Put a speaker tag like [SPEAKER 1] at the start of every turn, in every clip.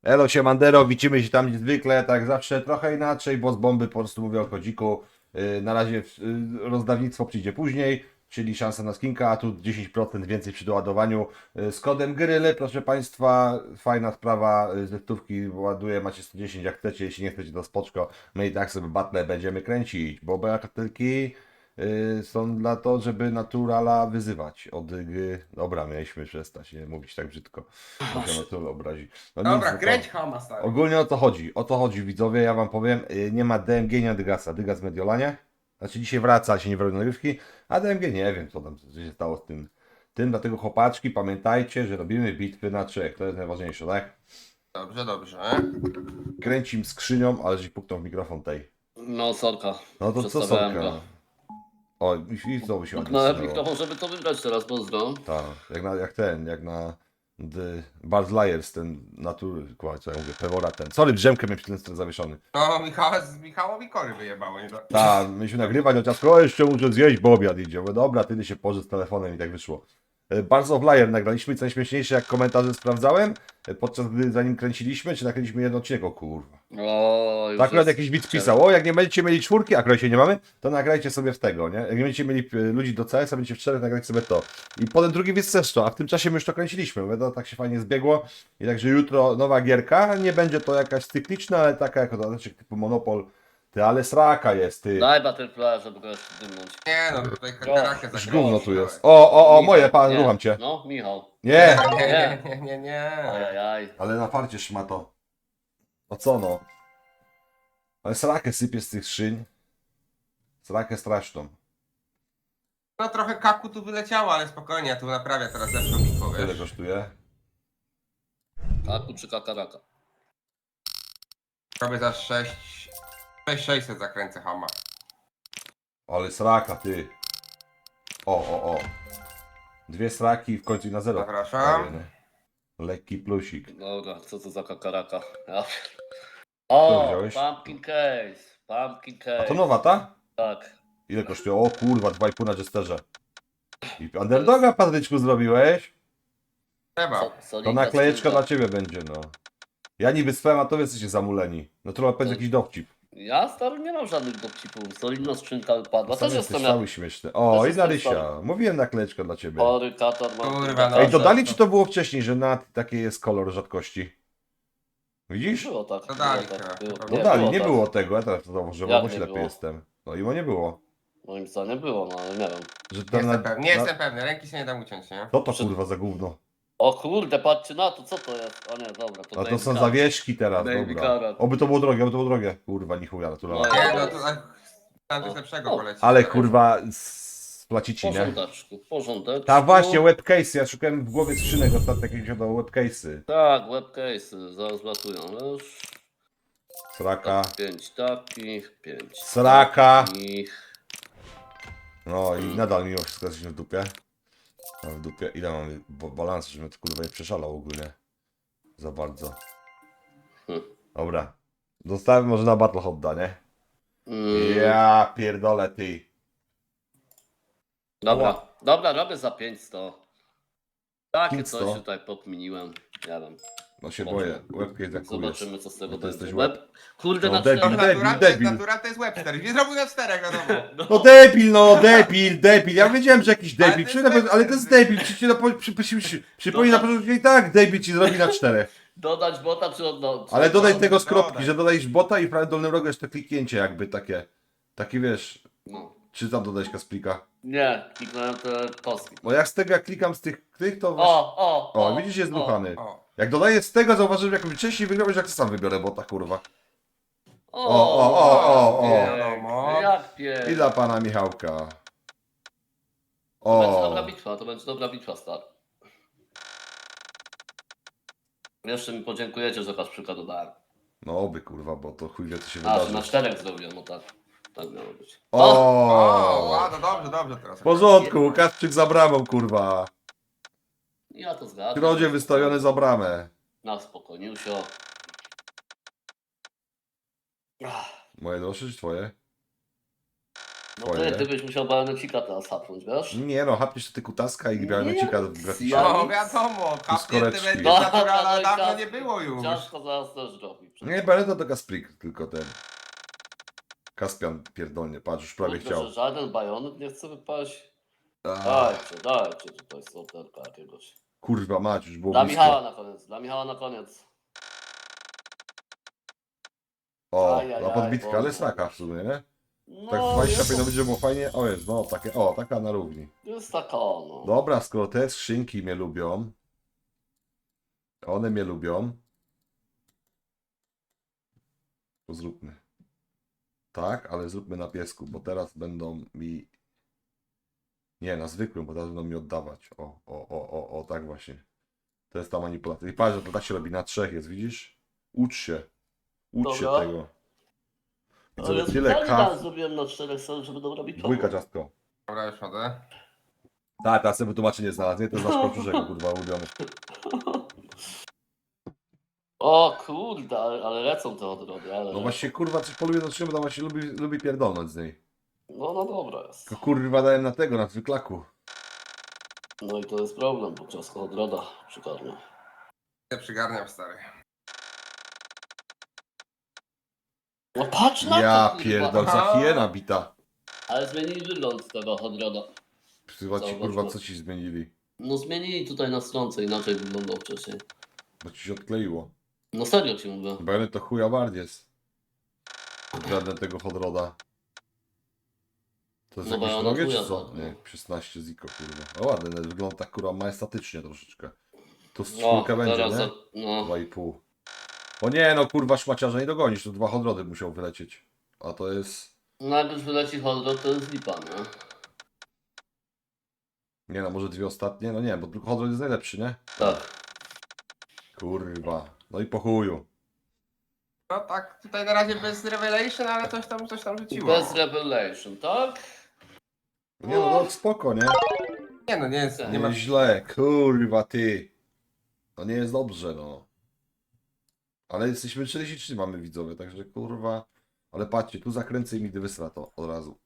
[SPEAKER 1] Elo Siemandero, widzimy się tam zwykle, tak zawsze trochę inaczej, bo z bomby po prostu mówię o kodziku. Na razie rozdawnictwo przyjdzie później, czyli szansa na skinka, a tu 10% więcej przy doładowaniu. Z kodem Gryle, proszę Państwa, fajna sprawa, ze stówki ładuje, macie 110 jak chcecie, jeśli nie chcecie to spoczko. My i tak sobie battle będziemy kręcić, bo kartelki są dla to, żeby naturala wyzywać od gry. Dobra, mieliśmy przestać nie mówić tak brzydko, bo się natura obrazi. No nic,
[SPEAKER 2] Dobra,
[SPEAKER 1] no
[SPEAKER 2] kręć
[SPEAKER 1] to
[SPEAKER 2] Hama, stary.
[SPEAKER 1] ogólnie o to chodzi widzowie, ja wam powiem, nie ma DMG, nie ma Dygasa, Dygas w Mediolanie, znaczy dzisiaj wraca, się nie wróci nagrywki, a DMG nie wiem co tam co się stało z tym, dlatego chłopaczki pamiętajcie, że robimy bitwy na trzech, to jest najważniejsze, tak?
[SPEAKER 2] Dobrze, dobrze.
[SPEAKER 1] Kręcim skrzynią, ale żeś puknął w mikrofon tej.
[SPEAKER 3] No, sorka.
[SPEAKER 1] No to co
[SPEAKER 3] Przestawiałem
[SPEAKER 1] sorka?
[SPEAKER 3] go.
[SPEAKER 1] O, i znowu się ładnie
[SPEAKER 3] Puknąłem
[SPEAKER 1] zsunęło.
[SPEAKER 3] mikrofon, żeby to wygrać teraz, pozdro.
[SPEAKER 1] Tak, jak na The Bald Liars, ten natury, co ja mówię, Pewora ten. Sorry, drzemkę miałem przy ten zawieszony.
[SPEAKER 2] No, Michałowi kory wyjebało, nie?
[SPEAKER 1] Tak, myśmy nagrywać, chociaż o, jeszcze muszę zjeść, bo obiad idzie. Mówię, dobra, ty się pożycz z telefonem i tak wyszło. Bars of Liar nagraliśmy, co najśmieszniejsze, jak komentarze sprawdzałem, podczas gdy zanim kręciliśmy, czy nakręciliśmy jeden odcinek, o kurwa.
[SPEAKER 3] O, już
[SPEAKER 1] Tak akurat
[SPEAKER 3] jest
[SPEAKER 1] jakiś widz
[SPEAKER 3] czerwony.
[SPEAKER 1] pisał, o jak nie będziecie mieli czwórki, akurat się nie mamy, to nagrajcie sobie w tego, nie? Jak nie będziecie mieli ludzi do CS-a, będziecie w czterech, nagrajcie sobie to. I potem drugi widz też to, a w tym czasie my już to kręciliśmy, mówię, to tak się fajnie zbiegło. I także jutro nowa gierka, nie będzie to jakaś cykliczna, ale taka jako dodatek typu Monopol. Ty, ale sraka jest, ty.
[SPEAKER 3] Daj Butterfly, żeby go jeszcze dymnąć.
[SPEAKER 2] Nie no, tutaj karakę
[SPEAKER 1] Już
[SPEAKER 2] zagrał.
[SPEAKER 1] gówno tu jest. O, moje, pan,
[SPEAKER 3] Nie.
[SPEAKER 1] rucham cię.
[SPEAKER 3] No, Michał.
[SPEAKER 1] Nie!
[SPEAKER 2] Nie.
[SPEAKER 3] Ajajaj.
[SPEAKER 1] Ale na farcie szmato. O co no? Ale srakę sypie z tych szyń. Srakę straszną.
[SPEAKER 2] No trochę kaku tu wyleciało, ale spokojnie, ja tu naprawię teraz lepszą bitwą,
[SPEAKER 1] Tyle
[SPEAKER 2] wiesz.
[SPEAKER 1] kosztuje.
[SPEAKER 3] Kaku czy kakaraka?
[SPEAKER 2] Robię za 600 zakręcę Hama.
[SPEAKER 1] Ale sraka, ty. O. Dwie sraki i w końcu i na zero.
[SPEAKER 2] Zapraszam.
[SPEAKER 1] Fajny. Lekki plusik.
[SPEAKER 3] Dobra, co to za kakaraka? Ja.
[SPEAKER 1] Co
[SPEAKER 3] O,
[SPEAKER 1] wziąłeś?
[SPEAKER 3] pumpkin case. Pumpkin case.
[SPEAKER 1] A to nowa ta?
[SPEAKER 3] Tak.
[SPEAKER 1] Ile kosztuje? O kurwa, 2,5 na Jesterze. I underdoga, Patryczku, zrobiłeś?
[SPEAKER 2] Trzeba.
[SPEAKER 1] To
[SPEAKER 3] Solidna
[SPEAKER 1] naklejeczka
[SPEAKER 3] skrzynka.
[SPEAKER 1] dla ciebie będzie, no. Ja niby swem, a to wy jesteście zamuleni. No to powiedz jakiś dowcip.
[SPEAKER 3] Ja stary nie mam żadnych dowcipów. Solidna skrzynka wypadła.
[SPEAKER 1] Sam
[SPEAKER 3] Też
[SPEAKER 1] jesteś
[SPEAKER 3] jestem
[SPEAKER 1] cały śmieszny. O,
[SPEAKER 3] też
[SPEAKER 1] i
[SPEAKER 3] jestem
[SPEAKER 1] Narysia.
[SPEAKER 3] sorry.
[SPEAKER 1] Mówiłem naklejeczka dla ciebie.
[SPEAKER 3] chory katar.
[SPEAKER 2] Kurwa, no.
[SPEAKER 1] Ej, dodali ci to było wcześniej, że na taki jest kolor rzadkości. Widzisz?
[SPEAKER 3] Było tak.
[SPEAKER 2] Dodali
[SPEAKER 3] było tak.
[SPEAKER 2] chyba.
[SPEAKER 3] Było,
[SPEAKER 1] Dodali, nie
[SPEAKER 3] tak.
[SPEAKER 1] było tego, ja teraz to zauważyłem,
[SPEAKER 3] Jak
[SPEAKER 1] bo
[SPEAKER 3] nie
[SPEAKER 1] ślepy
[SPEAKER 3] było?
[SPEAKER 1] jestem. No i bo nie było.
[SPEAKER 3] Moim zdaniem było, no ale nie wiem.
[SPEAKER 1] Że
[SPEAKER 2] Nie
[SPEAKER 1] to
[SPEAKER 2] jestem pewny, nie jestem pewny, ręki się nie dam uciąć, nie?
[SPEAKER 1] Co to kurwa za gówno?
[SPEAKER 3] O kurde, patrzcie na to, co to jest? O nie, dobra, to
[SPEAKER 1] A to
[SPEAKER 3] Baby
[SPEAKER 1] są
[SPEAKER 3] Car.
[SPEAKER 1] zawieszki teraz,
[SPEAKER 3] Baby
[SPEAKER 1] dobra.
[SPEAKER 3] Karat.
[SPEAKER 1] Oby to było drogie, oby to było drogie. Kurwa, ni chuja, naturalnie.
[SPEAKER 3] No,
[SPEAKER 2] Nie no, to tam coś lepszego
[SPEAKER 3] O,
[SPEAKER 2] poleci.
[SPEAKER 1] Ale kurwa, splacici, nie?
[SPEAKER 3] Porządeczku, porządeczku.
[SPEAKER 1] Ta właśnie, webcase, ja szukałem w głowie skrzynek ostatnio, jakieś do webcase'y.
[SPEAKER 3] Tak, webcase, zaraz latują, już.
[SPEAKER 1] Sraka.
[SPEAKER 3] 5 takich, 5
[SPEAKER 1] Sraka.
[SPEAKER 3] takich.
[SPEAKER 1] No i nadal mimo wszystko jesteśmy w dupie. No w dupie. Ile mamy balansu, żebym to kurwa nie przeszalał ogólnie. Za bardzo. Dobra. Zostawiam może na Battle Hotda, nie? Ja pierdolę ty.
[SPEAKER 3] Dobra, dobra, robię za 500. Takie
[SPEAKER 1] 500?
[SPEAKER 3] coś tutaj pokminiłem. Ja wiem.
[SPEAKER 1] No się boję. Webcase jak chuj jest.
[SPEAKER 3] Zobaczymy, co z tego
[SPEAKER 1] No to
[SPEAKER 3] będzie.
[SPEAKER 1] jesteś
[SPEAKER 3] Web. Kurde,
[SPEAKER 1] No,
[SPEAKER 3] na
[SPEAKER 1] debil.
[SPEAKER 2] To
[SPEAKER 3] 4.
[SPEAKER 1] Debil.
[SPEAKER 2] natura to jest Webster. Nie zrobił na 4, wiadomo.
[SPEAKER 1] No debil. Ja wiedziałem, że jakiś
[SPEAKER 2] Ale
[SPEAKER 1] debil.
[SPEAKER 2] to jest debil.
[SPEAKER 1] Ale to jest debil. Przypomnij na początku i tak debil ci zrobi na 4.
[SPEAKER 3] Dodać bota czy oddać?
[SPEAKER 1] Ale dodaj tego z
[SPEAKER 2] Dodaj.
[SPEAKER 1] kropki, że dodajesz bota i w prawym dolnym rogu jest to kliknięcie jakby takie. Takie wiesz.
[SPEAKER 3] No.
[SPEAKER 1] Czy tam dodać Kasplika?
[SPEAKER 3] Nie, kliknąłem te kostki.
[SPEAKER 1] Bo jak z tego jak klikam z tych to
[SPEAKER 3] O,
[SPEAKER 1] widzisz jest ruchany.
[SPEAKER 2] O.
[SPEAKER 1] Jak dodaję z tego zauważyłem jak wcześniej wygrałeś, jak sam wybiorę bota kurwa.
[SPEAKER 3] Nie,
[SPEAKER 2] Wiadomo.
[SPEAKER 3] Jak pies.
[SPEAKER 1] I dla pana Michałka.
[SPEAKER 3] To będzie dobra bitwa, to będzie dobra bitwa, stary. Jeszcze mi podziękujecie, że Kaszprzyka dodałem.
[SPEAKER 1] No oby kurwa, bo to chuj wie co się
[SPEAKER 3] A, że
[SPEAKER 1] wydarzy.
[SPEAKER 3] na 4 zrobiłem, no tak. Tak miało być.
[SPEAKER 2] O,
[SPEAKER 1] O!
[SPEAKER 2] ładno, dobrze teraz.
[SPEAKER 1] W porządku, Kasprzyk za bramą kurwa.
[SPEAKER 3] Ja to zgadzam.
[SPEAKER 1] Krodzie wystawiony za bramę.
[SPEAKER 3] Na spokojnie, się.
[SPEAKER 1] Moje droższe czy twoje?
[SPEAKER 3] No
[SPEAKER 1] Twoje.
[SPEAKER 3] ty byś musiał bajonecika teraz hapnąć, wiesz?
[SPEAKER 1] Nie no, hapniesz ty kutaska i białego w graficznie.
[SPEAKER 3] Ja
[SPEAKER 2] No
[SPEAKER 3] nic.
[SPEAKER 2] wiadomo, kapnięty
[SPEAKER 1] koreczki.
[SPEAKER 2] będzie
[SPEAKER 3] No,
[SPEAKER 2] naturala
[SPEAKER 3] no i
[SPEAKER 2] dawno
[SPEAKER 3] ciastko-
[SPEAKER 2] nie było już.
[SPEAKER 3] Ciastko zaraz też robi.
[SPEAKER 1] Nie, Beneta to Kasprik, tylko ten. Kaspian pierdolnie, patrz, już prawie
[SPEAKER 3] Kurde,
[SPEAKER 1] chciał.
[SPEAKER 3] że żaden bajonet nie chce wypaść.
[SPEAKER 1] Ach,
[SPEAKER 3] Dajcie tutaj soterka jakiegoś.
[SPEAKER 1] kurwa mać, już było
[SPEAKER 3] Dla Michała
[SPEAKER 1] blisko.
[SPEAKER 3] na koniec, dla Michała na koniec.
[SPEAKER 1] O,
[SPEAKER 3] Ajajaj,
[SPEAKER 1] na podbitkę, ale
[SPEAKER 3] wolno.
[SPEAKER 1] sraka w sumie, nie?
[SPEAKER 3] No,
[SPEAKER 1] Tak 25 będzie było fajnie. O jest, no takie, o, taka na równi.
[SPEAKER 3] jest taka, no.
[SPEAKER 1] Dobra, skoro te skrzynki mnie lubią, one mnie lubią, to zróbmy. Tak, ale zróbmy na piesku, bo teraz będą mi... Nie, na zwykłym, bo teraz będą mi oddawać. O, tak właśnie. To jest ta manipulacja. I patrz, że to tak się robi, na 3 jest, widzisz? Ucz się. Ucz się
[SPEAKER 3] Dobra.
[SPEAKER 1] tego. I co,
[SPEAKER 3] Ale
[SPEAKER 1] tyle
[SPEAKER 3] specjalnie
[SPEAKER 1] kaw...
[SPEAKER 3] tak zrobiłem na 4 strony, żeby dobrze robić
[SPEAKER 1] Dwójka ciastko.
[SPEAKER 2] Dobra, już chodzę.
[SPEAKER 1] Tak, teraz sobie wytłumaczenie znalazł, nie? To jest nasz koczuszek, kurwa, ulubiony.
[SPEAKER 3] O kurde, ale lecą te odrody, ale
[SPEAKER 1] No właśnie, kurwa, coś poluje do czego, to właśnie lubi pierdolnąć z niej.
[SPEAKER 3] No dobra jest.
[SPEAKER 1] Tylko kurwa dałem na tego, na zwyklaku.
[SPEAKER 3] No i to jest problem, bo ciasko odroda przygarnia.
[SPEAKER 2] Ja przygarniam, stary.
[SPEAKER 3] No patrz na
[SPEAKER 1] Ja
[SPEAKER 3] to, kurwa.
[SPEAKER 1] pierdol, za hiena bita.
[SPEAKER 3] Ale zmienili wygląd tego odroda.
[SPEAKER 1] Chyba ci, kurwa, co ci zmienili?
[SPEAKER 3] No zmienili tutaj na stronce, inaczej wyglądał wcześniej.
[SPEAKER 1] Bo ci się odkleiło.
[SPEAKER 3] No serio ci mówię.
[SPEAKER 1] Bajonet to chuja bardziej. Żaden tego Hodroda. To jest
[SPEAKER 3] No
[SPEAKER 1] jakieś
[SPEAKER 3] bajonet
[SPEAKER 1] drogie,
[SPEAKER 3] chuja
[SPEAKER 1] czy co?
[SPEAKER 3] bardzo.
[SPEAKER 1] Nie, 16 ziko, kurwa. O ładny, nawet wygląda tak kurwa majestatycznie troszeczkę. To z
[SPEAKER 3] No,
[SPEAKER 1] czwórkę będzie,
[SPEAKER 3] teraz
[SPEAKER 1] nie?
[SPEAKER 3] za, no.
[SPEAKER 1] 2,5. O nie, no kurwa szmaciarza nie dogonisz, to 2 Hodrody musiał wylecieć. A to jest...
[SPEAKER 3] No jak już wyleci odrod, to jest lipa, nie?
[SPEAKER 1] Nie no, może 2 ostatnie? No nie, bo tylko Hodrod jest najlepszy, nie?
[SPEAKER 3] Tak.
[SPEAKER 1] Kurwa. No i po chuju.
[SPEAKER 2] No tak, tutaj na razie bez revelation, ale coś tam rzuciło.
[SPEAKER 3] Bez revelation, tak?
[SPEAKER 1] Nie no, no spoko, nie?
[SPEAKER 2] Nie no, nie jest, nie ma...
[SPEAKER 1] Nie źle, kurwa ty. No nie jest dobrze, no. Ale jesteśmy 43 mamy widzowie, także kurwa. Ale patrzcie, tu zakręcę i mi wysra to od razu.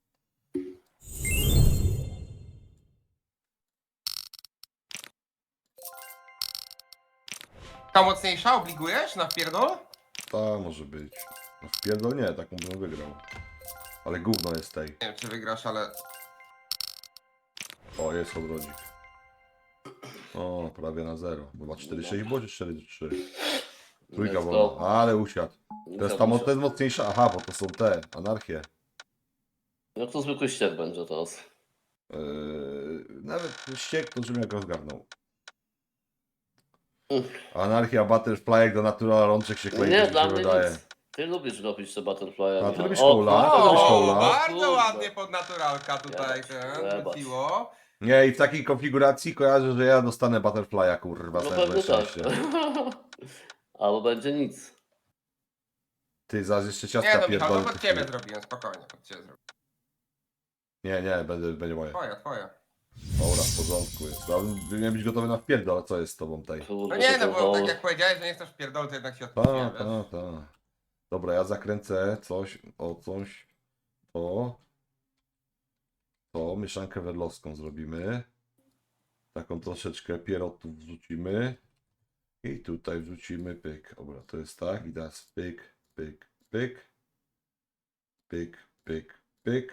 [SPEAKER 2] Ta mocniejsza obligujesz na wpierdol?
[SPEAKER 1] Ta może być. No wpierdol nie, taką bym wygrał. Ale gówno jest tej.
[SPEAKER 2] Nie wiem czy wygrasz, ale...
[SPEAKER 1] O, jest odrodzik. O, prawie na 0. Chyba 4,6 było czy 4,3? Trójka
[SPEAKER 3] Let's
[SPEAKER 1] wolna.
[SPEAKER 3] go.
[SPEAKER 1] Ale usiadł. To jest ta to jest mocniejsza. Aha, bo to są te, anarchie.
[SPEAKER 3] Jak to zwykły ściek będzie teraz?
[SPEAKER 1] Nawet ściek to żebym jak rozgarnął.
[SPEAKER 3] Uff.
[SPEAKER 1] Anarchia, Butterfly, do Natural rączek się klei,
[SPEAKER 3] Nie,
[SPEAKER 1] to mi
[SPEAKER 3] dla
[SPEAKER 1] się
[SPEAKER 3] mnie
[SPEAKER 1] wydaje.
[SPEAKER 3] nic. Ty lubisz robić te butterfly'e.
[SPEAKER 1] A, ty
[SPEAKER 3] Michał.
[SPEAKER 1] lubisz
[SPEAKER 3] O,
[SPEAKER 1] kola?
[SPEAKER 3] kurde.
[SPEAKER 1] Ty lubisz
[SPEAKER 2] O,
[SPEAKER 1] kola?
[SPEAKER 2] bardzo
[SPEAKER 3] Kurde.
[SPEAKER 2] ładnie pod naturalka tutaj
[SPEAKER 3] Jebać,
[SPEAKER 2] ten
[SPEAKER 3] jebać.
[SPEAKER 2] wróciło.
[SPEAKER 1] Nie, i w takiej konfiguracji kojarzę, że ja dostanę Butterfly'a, kurwa,
[SPEAKER 3] No
[SPEAKER 1] całe
[SPEAKER 3] pewnie tak.
[SPEAKER 1] szczęście.
[SPEAKER 3] Albo będzie nic.
[SPEAKER 1] Ty, zaraz jeszcze
[SPEAKER 2] Nie
[SPEAKER 1] ciastka
[SPEAKER 2] no Michał, no
[SPEAKER 1] pierdolę.
[SPEAKER 2] pod ciebie zrobiłem, spokojnie, pod ciebie zrobiłem.
[SPEAKER 1] Nie, będzie moje.
[SPEAKER 2] Twoja.
[SPEAKER 1] Dobra, w porządku jest. Powinien być gotowy na wpierdol, ale co jest z tobą tej?
[SPEAKER 3] Kurde,
[SPEAKER 2] No nie no,
[SPEAKER 3] to
[SPEAKER 2] bo
[SPEAKER 3] to-
[SPEAKER 2] tak jak powiedziałeś, że nie chcesz wpierdol, to jednak się odpuściłem, wiesz?
[SPEAKER 1] Ta. Dobra, ja zakręcę coś, to mieszankę wedlowską zrobimy. Taką troszeczkę pierotów wrzucimy. I tutaj wrzucimy pyk. Dobra, to jest tak. I teraz pyk, pyk, pyk. Pyk, pyk, pyk.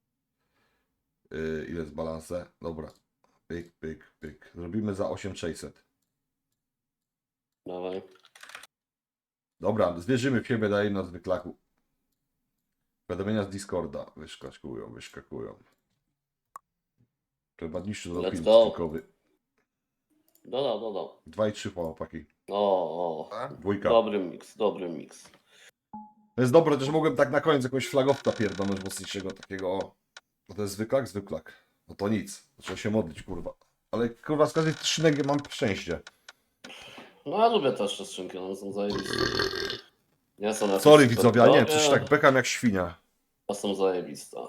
[SPEAKER 1] Ile jest balansę? Dobra. Pyk, pyk, pyk. Zrobimy za 8600.
[SPEAKER 3] Dawaj.
[SPEAKER 1] Dobra, zwierzymy w siebie, daje na zwyklaku. Powiadomienia z Discorda wyskakują. Trzeba niższy
[SPEAKER 3] Let's
[SPEAKER 1] zrobić
[SPEAKER 3] go.
[SPEAKER 1] skrzynkowy.
[SPEAKER 3] Dodał.
[SPEAKER 1] 2 i 3 chłopaki.
[SPEAKER 3] O.
[SPEAKER 2] Tak?
[SPEAKER 1] Dwójka.
[SPEAKER 3] Dobry miks.
[SPEAKER 1] To jest dobre, też mogłem tak na koniec jakąś flagowca pierdolnąć mocniejszego takiego. O. No to jest zwyklak. No to nic. Trzeba się modlić, kurwa. Ale kurwa z każdej skrzynek mam szczęście.
[SPEAKER 3] No ja lubię też te skrzynki, one są zajebiste. Nie są jakieś
[SPEAKER 1] Sorry
[SPEAKER 3] super
[SPEAKER 1] widzowie, ale nie,
[SPEAKER 3] drogie,
[SPEAKER 1] coś tak bekam jak świnia.
[SPEAKER 3] a są zajebiste.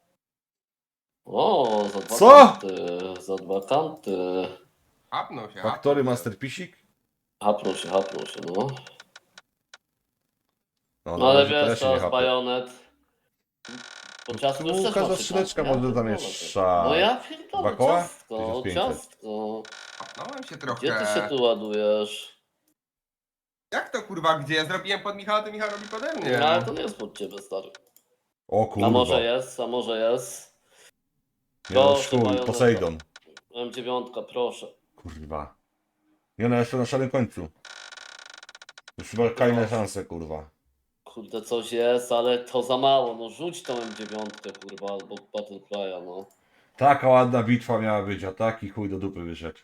[SPEAKER 3] O, za dwa
[SPEAKER 1] Co?
[SPEAKER 3] kanty. Za dwa kanty.
[SPEAKER 2] Hapnął się,
[SPEAKER 1] Faktory
[SPEAKER 2] hapnął się.
[SPEAKER 1] Masterpisik?
[SPEAKER 3] Hapnął się, no.
[SPEAKER 1] No,
[SPEAKER 3] No ale
[SPEAKER 1] razie to ja
[SPEAKER 3] wiesz,
[SPEAKER 1] się nie
[SPEAKER 3] teraz
[SPEAKER 1] hapię.
[SPEAKER 3] bajonet. Bo ciastko
[SPEAKER 1] Tu
[SPEAKER 3] już też
[SPEAKER 1] każda
[SPEAKER 3] ma
[SPEAKER 1] skrzyneczka
[SPEAKER 3] 15,
[SPEAKER 1] może
[SPEAKER 3] ja pierdolę.
[SPEAKER 1] zamieszczać.
[SPEAKER 3] No ja
[SPEAKER 1] Dwa
[SPEAKER 3] pierdolę,
[SPEAKER 1] koła?
[SPEAKER 3] ciastko,
[SPEAKER 1] 1500.
[SPEAKER 3] ciastko.
[SPEAKER 2] Kapnąłem się trochę.
[SPEAKER 3] Gdzie ty się tu ładujesz?
[SPEAKER 2] Jak to kurwa, gdzie? Ja zrobiłem pod Michała, to Michał robi pode mnie.
[SPEAKER 3] No ale to nie jest pod ciebie, stary.
[SPEAKER 1] O
[SPEAKER 3] A
[SPEAKER 1] kurwa.
[SPEAKER 3] może jest, a może jest.
[SPEAKER 1] Nie no,
[SPEAKER 3] Proszę,
[SPEAKER 1] chuj,
[SPEAKER 3] majoneza.
[SPEAKER 1] Posejdon.
[SPEAKER 3] M9, proszę.
[SPEAKER 1] Kurwa. Nie no, jeszcze na szarym końcu. Już chyba kolejne szanse, kurwa.
[SPEAKER 3] Kurde, coś jest, ale to za mało. No rzuć tą M9, kurwa, albo Battle Cry'a, no.
[SPEAKER 1] Taka ładna bitwa miała być, a taki chuj do dupy wyszedł.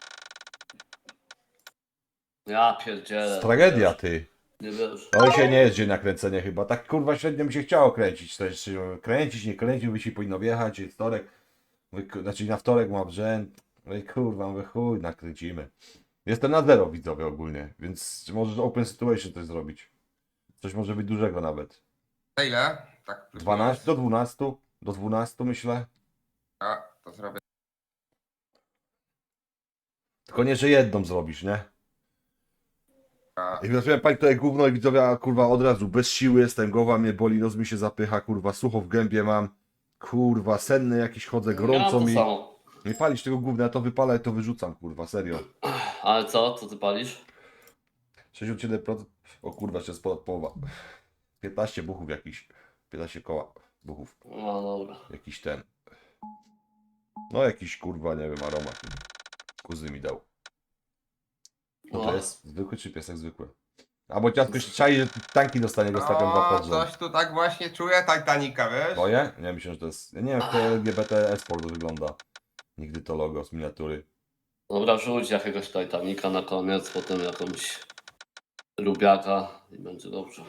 [SPEAKER 3] Ja pierdzielę.
[SPEAKER 1] Tragedia,
[SPEAKER 3] wiesz,
[SPEAKER 1] ty.
[SPEAKER 3] Nie wiesz.
[SPEAKER 1] No dzisiaj nie jest dzień na kręcenie chyba. Tak kurwa średnio mi się chciało kręcić. To jest, czy kręcić, nie kręcić, by się powinno wjechać. Jest wtorek. Znaczy na wtorek ma brzęd. No i kurwa, mówię chuj, nakręcimy. Jestem na zero widzowie ogólnie, więc możesz open situation coś zrobić. Coś może być dużego nawet.
[SPEAKER 2] To ile? Tak.
[SPEAKER 1] 12 do 12. Do 12 myślę.
[SPEAKER 2] A, to zrobię.
[SPEAKER 1] Tylko nie, że jedną zrobisz, nie?
[SPEAKER 2] A,
[SPEAKER 1] I wrażłem pani tutaj gówno i widzowie, a kurwa od razu bez siły jestem, głowa mnie boli, nos mi się zapycha, kurwa, sucho w gębie mam. Kurwa, senny jakiś chodzę,
[SPEAKER 3] Ja
[SPEAKER 1] gorąco
[SPEAKER 3] to
[SPEAKER 1] mi.
[SPEAKER 3] samo.
[SPEAKER 1] Nie palisz tego gówna, ja to wypalę, ja to wyrzucam, kurwa, serio.
[SPEAKER 3] Ale co? Co ty palisz?
[SPEAKER 1] 67%, o kurwa, jeszcze jest ponad połowa. 15 buchów jakiś, 15 koła buchów,
[SPEAKER 3] No dobra.
[SPEAKER 1] jakiś ten. No jakiś kurwa, nie wiem, aromat. Kuzy mi dał. No to
[SPEAKER 3] No.
[SPEAKER 1] jest zwykły czy piesek zwykły? Albo ciastko się czai, że tanki dostanie, go stawiam dwa pod rząd.
[SPEAKER 2] coś tu tak właśnie czuję Titanica, wiesz?
[SPEAKER 1] Twoje? Nie, myślę, że to jest... Ja nie wiem, jak to LGBT Esport wygląda. Nigdy to logo z miniatury.
[SPEAKER 3] Dobra, rzuć jakiegoś Titanica na koniec, potem jakąś lubiaka i będzie dobrze.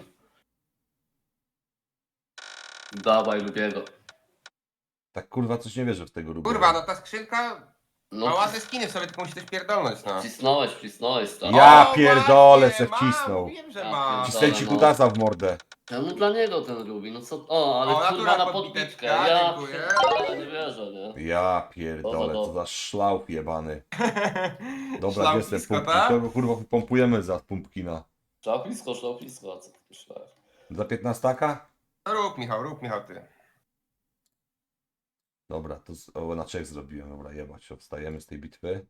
[SPEAKER 3] Dawaj lubiego.
[SPEAKER 1] Tak kurwa coś nie wierzę w tego Rubiego.
[SPEAKER 2] Kurwa, no ta skrzynka ma
[SPEAKER 3] No,
[SPEAKER 2] ładne skiny, w sobie tylko musi też pierdolnąć, no.
[SPEAKER 3] wcisnąłeś, tak.
[SPEAKER 1] Ja
[SPEAKER 2] O,
[SPEAKER 1] pierdolę,
[SPEAKER 2] właśnie,
[SPEAKER 1] se
[SPEAKER 2] ma,
[SPEAKER 1] wcisnął.
[SPEAKER 2] Mówiłem, że
[SPEAKER 3] Ja
[SPEAKER 2] ma.
[SPEAKER 3] pierdolę.
[SPEAKER 1] Cisnę ci kutasa w mordę.
[SPEAKER 3] Ja no dla niego ten lubi, no co? O, ale
[SPEAKER 2] O,
[SPEAKER 3] kurwa
[SPEAKER 2] natural
[SPEAKER 3] na
[SPEAKER 2] podbiteczka,
[SPEAKER 3] podbitkę. Ja
[SPEAKER 2] dziękuję.
[SPEAKER 3] pierdolę, nie wierzę, nie?
[SPEAKER 1] Ja pierdolę, co
[SPEAKER 3] Dobra.
[SPEAKER 1] za szlauch jebany. Dobra,
[SPEAKER 2] Szlał
[SPEAKER 1] gdzie jestem
[SPEAKER 2] blisko,
[SPEAKER 1] pumpkin?
[SPEAKER 2] tak?
[SPEAKER 1] Kogo kurwa pompujemy za pumpkina?
[SPEAKER 3] Szlauplisko, a co ty myślałeś?
[SPEAKER 1] Za 15-taka?
[SPEAKER 2] No rób Michał, ty.
[SPEAKER 1] Dobra, to na Czech zrobiłem. Dobra, jebać, obstajemy z tej bitwy.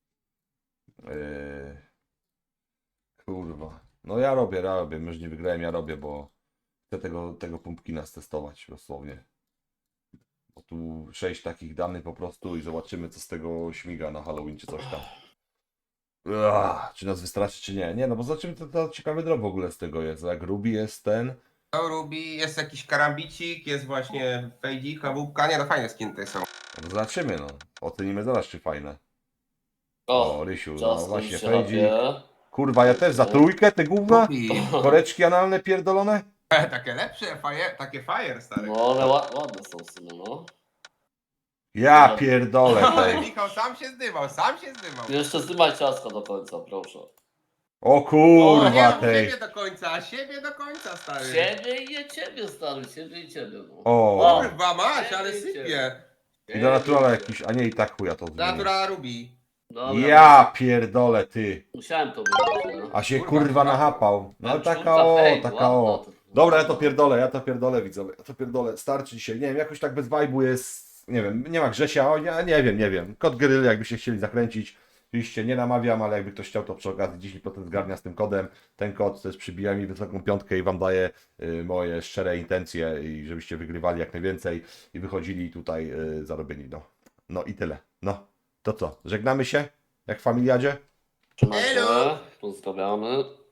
[SPEAKER 1] Kurwa. No ja robię. Już nie wygrałem, ja robię, bo chcę tego pumpkina stestować dosłownie. Bo tu 6 takich danych po prostu i zobaczymy, co z tego śmiga na Halloween czy coś tam. Czy nas wystraszy, czy nie? Nie, no bo zobaczymy, to ciekawy drop w ogóle z tego jest. Jak Ruby jest ten.
[SPEAKER 2] To Ruby, jest jakiś karambicik, jest właśnie fejdzik, kabubka, nie no fajne skiny tutaj są.
[SPEAKER 1] No to zobaczymy, no. Ocenimy zaraz, czy fajne.
[SPEAKER 3] O,
[SPEAKER 1] O, Rysiu, no
[SPEAKER 3] ciasto
[SPEAKER 1] właśnie,
[SPEAKER 3] już się
[SPEAKER 1] fejdzik.
[SPEAKER 3] chapie.
[SPEAKER 1] Kurwa, ja też za trójkę, te gówna?
[SPEAKER 2] Ruby.
[SPEAKER 1] Koreczki analne pierdolone?
[SPEAKER 2] Takie lepsze, takie fire, stary.
[SPEAKER 3] No ale ładne są w sumie, no.
[SPEAKER 1] Ja
[SPEAKER 3] No.
[SPEAKER 1] pierdolę
[SPEAKER 2] Ale
[SPEAKER 1] tej.
[SPEAKER 2] Michał sam się zdymał.
[SPEAKER 3] Jeszcze zdymaj ciasto do końca, proszę.
[SPEAKER 1] O
[SPEAKER 2] O, nie
[SPEAKER 1] kurwa
[SPEAKER 2] rób
[SPEAKER 1] tej.
[SPEAKER 2] siebie do końca, stary.
[SPEAKER 3] Ciebie i nie ciebie, stary, ciebie i ciebie, no.
[SPEAKER 1] O.
[SPEAKER 2] Kurwa masz, ale sypie.
[SPEAKER 1] I do naturala jakiś, a nie i tak chuja to zmieni.
[SPEAKER 2] Natura Ruby.
[SPEAKER 3] Dobra,
[SPEAKER 1] Ja pierdolę ty.
[SPEAKER 3] musiałem to wybrać, no.
[SPEAKER 1] A się
[SPEAKER 2] Kurwa,
[SPEAKER 1] kurwa nachapał. No
[SPEAKER 3] Czwórka,
[SPEAKER 1] taka o,
[SPEAKER 3] hej,
[SPEAKER 1] taka
[SPEAKER 3] ładna
[SPEAKER 1] o.
[SPEAKER 3] to.
[SPEAKER 1] Dobra, ja to pierdolę widzowie. Ja to pierdolę. Starczy dzisiaj. Nie wiem, jakoś tak bez vibe'u jest. Nie wiem, nie ma Grzesia, o, ja nie wiem. Kod Gryl, jakby się chcieli zakręcić. Oczywiście nie namawiam, ale jakby ktoś chciał, to przy okazji 10% zgarnia z tym kodem. Ten kod też przybija mi wysoką piątkę i wam daje moje szczere intencje i żebyście wygrywali jak najwięcej i wychodzili tutaj zarobieni. No i tyle. No, to co? Żegnamy się? Jak w familiadzie?
[SPEAKER 3] Trzymaj się,
[SPEAKER 2] Elo.
[SPEAKER 3] pozdrawiamy.